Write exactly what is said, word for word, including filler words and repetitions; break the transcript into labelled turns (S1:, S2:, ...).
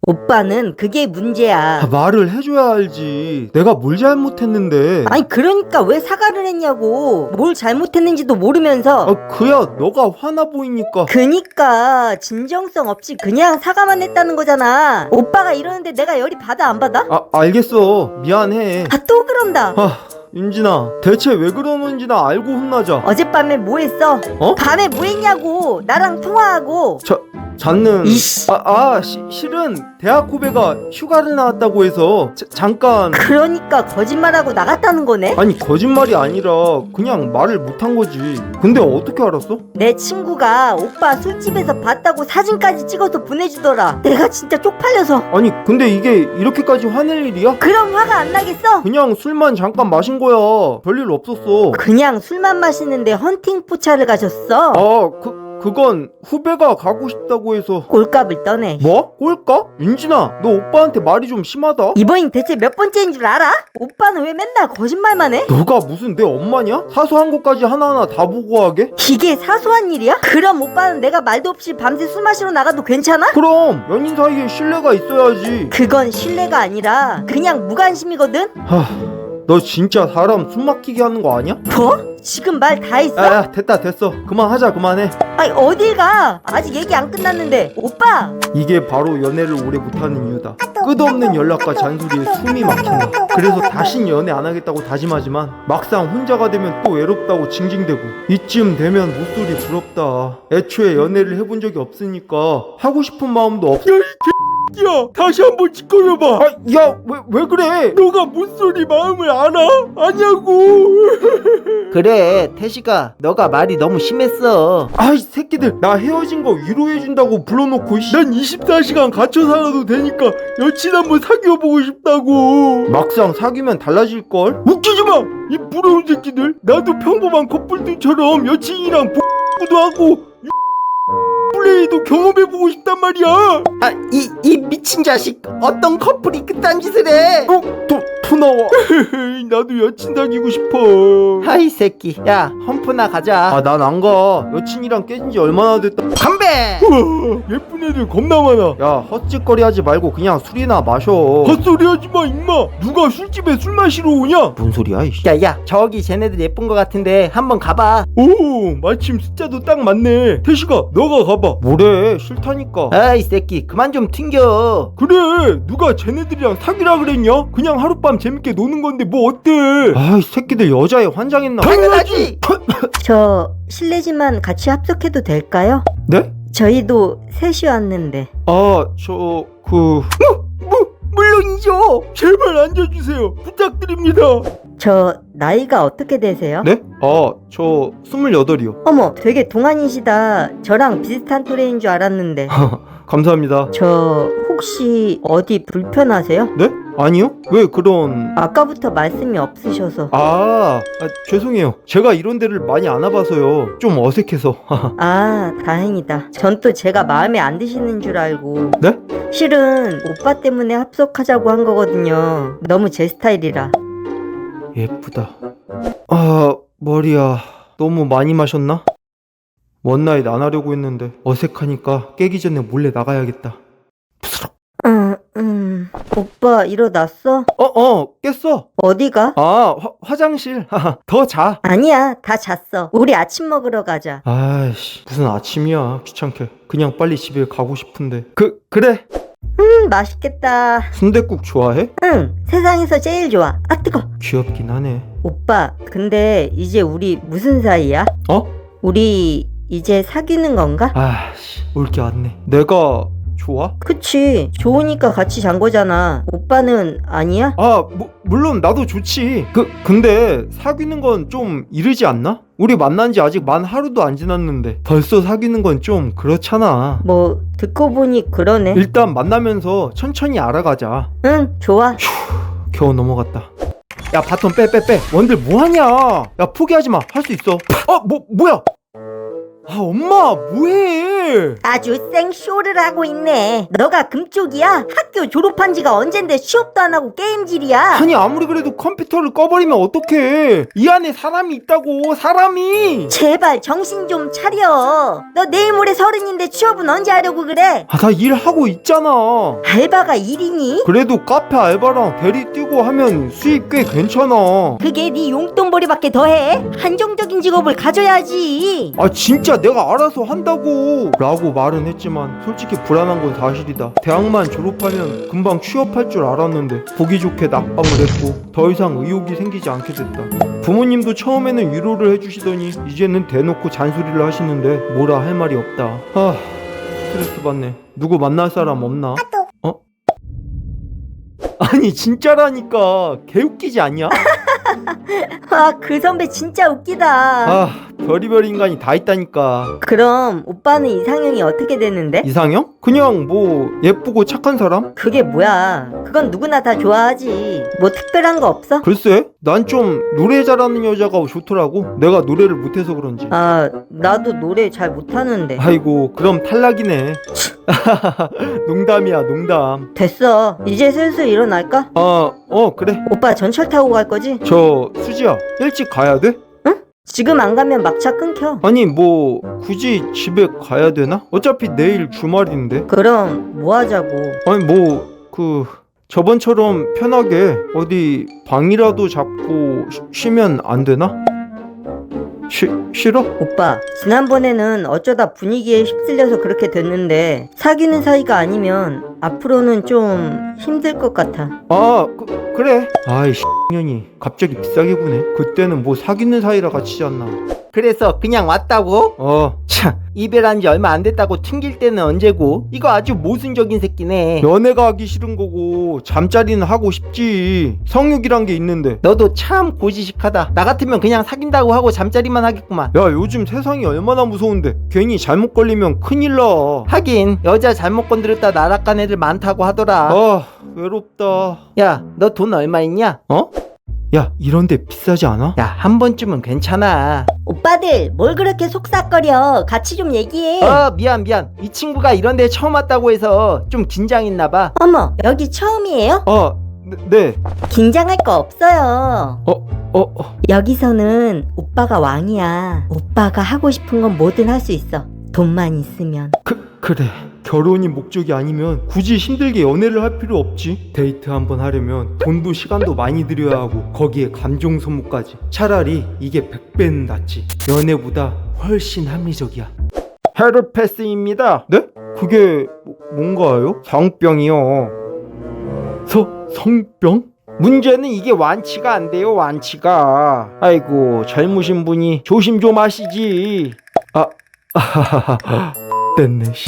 S1: 오빠는 그게 문제야.
S2: 아, 말을 해줘야 알지. 내가 뭘 잘못했는데.
S1: 아니 그러니까 왜 사과를 했냐고. 뭘 잘못했는지도 모르면서.
S2: 아, 그야 너가 화나 보이니까.
S1: 그니까 진정성 없이 그냥 사과만 했다는 거잖아. 오빠가 이러는데 내가 열이 받아 안 받아?
S2: 아, 알겠어. 미안해.
S1: 아 또 그런다.
S2: 아, 윤진아, 대체 왜 그러는지 나 알고 혼나자.
S1: 어젯밤에 뭐 했어?
S2: 어?
S1: 밤에 뭐 했냐고. 나랑 통화하고.
S2: 자, 잤는.
S1: 이씨.
S2: 아, 아 시, 실은 대학 후배가 휴가를 나왔다고 해서 자, 잠깐.
S1: 그러니까 거짓말하고 나갔다는 거네?
S2: 아니, 거짓말이 아니라 그냥 말을 못한 거지. 근데 어떻게 알았어?
S1: 내 친구가 오빠 술집에서 봤다고 사진까지 찍어서 보내주더라. 내가 진짜 쪽팔려서.
S2: 아니, 근데 이게 이렇게까지 화낼 일이야?
S1: 그럼 화가 안 나겠어?
S2: 그냥 술만 잠깐 마신 거야. 별일 없었어.
S1: 그냥 술만 마시는데 헌팅 포차를 가셨어?
S2: 아, 그, 그건 후배가 가고 싶다고 해서.
S1: 꼴값을 떠내.
S2: 뭐? 꼴까? 윤진아, 너 오빠한테 말이 좀 심하다.
S1: 이번이 대체 몇 번째인 줄 알아? 오빠는 왜 맨날 거짓말만 해?
S2: 너가 무슨 내 엄마냐? 사소한 것까지 하나하나 다 보고하게?
S1: 이게 사소한 일이야? 그럼 오빠는 내가 말도 없이 밤새 술 마시러 나가도 괜찮아?
S2: 그럼 연인 사이에 신뢰가 있어야지.
S1: 그건 신뢰가 아니라 그냥 무관심이거든?
S2: 하, 너 진짜 사람 숨 막히게 하는 거 아니야?
S1: 뭐? 지금 말 다 했어?
S2: 야, 야, 됐다, 됐어. 그만하자, 그만해.
S1: 아니 어딜 가? 아직 얘기 안 끝났는데. 오빠!
S2: 이게 바로 연애를 오래 못하는 이유다. 끝없는 연락과 잔소리에 숨이 막힌다. 그래서 다신 연애 안 하겠다고 다짐하지만 막상 혼자가 되면 또 외롭다고 징징대고, 이쯤 되면 목소리 부럽다. 애초에 연애를 해본 적이 없으니까 하고 싶은 마음도 없어. 야, 이 야, 다시 한번 짓거려봐. 아, 야, 왜, 왜 그래? 너가 뭔 소리 마음을 알아? 아냐고.
S3: 그래 태식아 너가 말이 너무 심했어.
S2: 아이 새끼들, 나 헤어진 거 위로해준다고 불러놓고. 난 이십사 시간 갇혀 살아도 되니까 여친 한번 사귀어보고 싶다고. 막상 사귀면 달라질걸? 웃기지마 이 부러운 새끼들. 나도 평범한 커플들처럼 여친이랑 뽀도 하고 플레이도 경험해보고 싶단 말이야.
S3: 아 이 이 미친 자식 어떤 커플이 그딴 짓을 해.
S2: 어? 또, 또 나와. 나도 여친 사귀고 싶어.
S3: 하이 새끼 야 험프나 가자.
S2: 아, 난 안 가. 여친이랑 깨진 지 얼마나 됐다.
S3: 담배.
S2: 우와, 예쁜 애들 겁나 많아. 야, 헛짓거리 하지 말고 그냥 술이나 마셔. 헛소리 하지 마 임마. 누가 술집에 술 마시러 오냐? 뭔 소리야 이씨.
S3: 야야 저기 쟤네들 예쁜 거 같은데 한번 가봐.
S2: 오, 마침 숫자도 딱 맞네. 태식아, 너가 가봐. 뭐래, 싫다니까.
S3: 아이 새끼 그만 좀 튕겨.
S2: 그래, 누가 쟤네들이랑 사귀라 그랬냐? 그냥 하룻밤 재밌게 노는 건데 뭐 어때? 아이 새끼들 여자에 환장했나?
S3: 당연하지.
S1: 저 실례지만 같이 합석해도 될까요?
S2: 네?
S1: 저희도 셋이 왔는데.
S2: 아, 저... 그...
S3: 물론이죠.
S2: 제발 앉아주세요. 부탁드립니다.
S1: 저 나이가 어떻게 되세요?
S2: 네? 아, 저 스물여덟이요.
S1: 어머 되게 동안이시다. 저랑 비슷한 또래인 줄 알았는데.
S2: 감사합니다.
S1: 저 혹시 어디 불편하세요?
S2: 네? 아니요? 왜 그런...
S1: 아까부터 말씀이 없으셔서.
S2: 아, 아 죄송해요. 제가 이런 데를 많이 안 와봐서요. 좀 어색해서.
S1: 아 다행이다. 전 또 제가 마음에 안 드시는 줄 알고.
S2: 네?
S1: 실은 오빠 때문에 합석하자고 한 거거든요. 너무 제 스타일이라.
S2: 예쁘다. 아, 머리야. 너무 많이 마셨나? 원나잇 안 하려고 했는데 어색하니까 깨기 전에 몰래 나가야겠다.
S1: 음, 음. 오빠 일어났어?
S2: 어, 어, 깼어.
S1: 어디가?
S2: 아, 화, 화장실. 더 자.
S1: 아니야, 다 잤어. 우리 아침 먹으러 가자.
S2: 아이씨, 무슨 아침이야. 귀찮게. 그냥 빨리 집에 가고 싶은데. 그, 그래.
S1: 음, 맛있겠다.
S2: 순댓국 좋아해?
S1: 응, 세상에서 제일 좋아. 아, 뜨거.
S2: 귀엽긴 하네.
S1: 오빠, 근데 이제 우리 무슨 사이야?
S2: 어?
S1: 우리 이제 사귀는 건가?
S2: 아씨, 올 게 왔네. 내가 좋아?
S1: 그치, 좋으니까 같이 잔 거잖아. 오빠는 아니야?
S2: 아, 뭐, 물론 나도 좋지. 그, 근데 사귀는 건 좀 이르지 않나? 우리 만난 지 아직 만 하루도 안 지났는데 벌써 사귀는 건 좀 그렇잖아.
S1: 뭐 듣고 보니 그러네.
S2: 일단 만나면서 천천히 알아가자.
S1: 응, 좋아.
S2: 겨우 넘어갔다. 야, 바톤 빼, 빼, 빼. 원들 뭐하냐? 야, 포기하지 마. 할 수 있어. 어, 뭐, 뭐야? 아 엄마 뭐해?
S1: 아주 생쇼를 하고 있네. 너가 금쪽이야? 학교 졸업한 지가 언젠데 취업도 안 하고 게임질이야.
S2: 아니 아무리 그래도 컴퓨터를 꺼버리면 어떡해. 이 안에 사람이 있다고. 사람이.
S1: 제발 정신 좀 차려. 너 내일 모레 서른인데 취업은 언제 하려고 그래?
S2: 아 나 일하고 있잖아.
S1: 알바가 일이니?
S2: 그래도 카페 알바랑 대리 뛰고 하면 수입 꽤 괜찮아.
S1: 그게 네 용돈벌이밖에 더해? 한정적인 직업을 가져야지.
S2: 아 진짜 내가 알아서 한다고 라고 말은 했지만 솔직히 불안한 건 사실이다. 대학만 졸업하면 금방 취업할 줄 알았는데 보기 좋게 낙방을 했고 더 이상 의욕이 생기지 않게 됐다. 부모님도 처음에는 위로를 해주시더니 이제는 대놓고 잔소리를 하시는데 뭐라 할 말이 없다. 아 스트레스 받네. 누구 만날 사람 없나? 어? 아니 진짜라니까. 개웃기지 않냐?
S1: 아, 그 선배 진짜 웃기다.
S2: 아 별의별 인간이 다 있다니까.
S1: 그럼 오빠는 이상형이 어떻게 되는데?
S2: 이상형? 그냥 뭐 예쁘고 착한 사람?
S1: 그게 뭐야? 그건 누구나 다 좋아하지. 뭐 특별한 거 없어?
S2: 글쎄 난 좀 노래 잘하는 여자가 좋더라고. 내가 노래를 못해서 그런지.
S1: 아, 나도 노래 잘 못하는데.
S2: 아이고 그럼 탈락이네. 농담이야 농담.
S1: 됐어. 이제 슬슬 일어날까?
S2: 아 어 그래.
S1: 오빠 전철 타고 갈 거지?
S2: 저 수지야 일찍 가야 돼?
S1: 지금 안 가면 막차 끊겨.
S2: 아니 뭐 굳이 집에 가야 되나? 어차피 내일 주말인데.
S1: 그럼 뭐 하자고.
S2: 아니 뭐 그 저번처럼 편하게 어디 방이라도 잡고 쉬, 쉬면 안 되나? 쉬, 싫어?
S1: 오빠, 지난번에는 어쩌다 분위기에 휩쓸려서 그렇게 됐는데 사귀는 사이가 아니면 앞으로는 좀 힘들 것 같아.
S2: 아 그, 그래. 아이 년이 갑자기 비싸게 구네. 그때는 뭐 사귀는 사이라 같이 잤나.
S3: 그래서 그냥 왔다고?
S2: 어
S3: 참, 이별한 지 얼마 안 됐다고 튕길 때는 언제고? 이거 아주 모순적인 새끼네.
S2: 연애가 하기 싫은 거고 잠자리는 하고 싶지. 성욕이란 게 있는데.
S3: 너도 참 고지식하다. 나 같으면 그냥 사귄다고 하고 잠자리만 하겠구만.
S2: 야 요즘 세상이 얼마나 무서운데 괜히 잘못 걸리면 큰일 나.
S3: 하긴 여자 잘못 건드렸다 나락간 애들 많다고 하더라.
S2: 아 외롭다.
S3: 야, 너 돈 얼마 있냐?
S2: 어? 야 이런데 비싸지 않아?
S3: 야, 한 번쯤은 괜찮아.
S1: 오빠들 뭘 그렇게 속삭거려. 같이 좀 얘기해.
S3: 어, 미안 미안. 이 친구가 이런 데 처음 왔다고 해서 좀 긴장했나 봐.
S1: 어머, 여기 처음이에요?
S2: 아 네, 네.
S1: 긴장할 거 없어요.
S2: 어, 어, 어.
S1: 여기서는 오빠가 왕이야. 오빠가 하고 싶은 건 뭐든 할 수 있어. 돈만 있으면.
S2: 그, 그래. 결혼이 목적이 아니면 굳이 힘들게 연애를 할 필요 없지. 데이트 한번 하려면 돈도 시간도 많이 들여야 하고 거기에 감정 소모까지. 차라리 이게 백 배는 낫지. 연애보다 훨씬 합리적이야. 헤르페스입니다. 네? 그게 뭐, 뭔가요? 성병이요. 서, 성병?
S3: 문제는 이게 완치가 안 돼요, 완치가. 아이고, 젊으신 분이 조심 좀 하시지.
S2: 아, 아하하하. 됐네, 씨.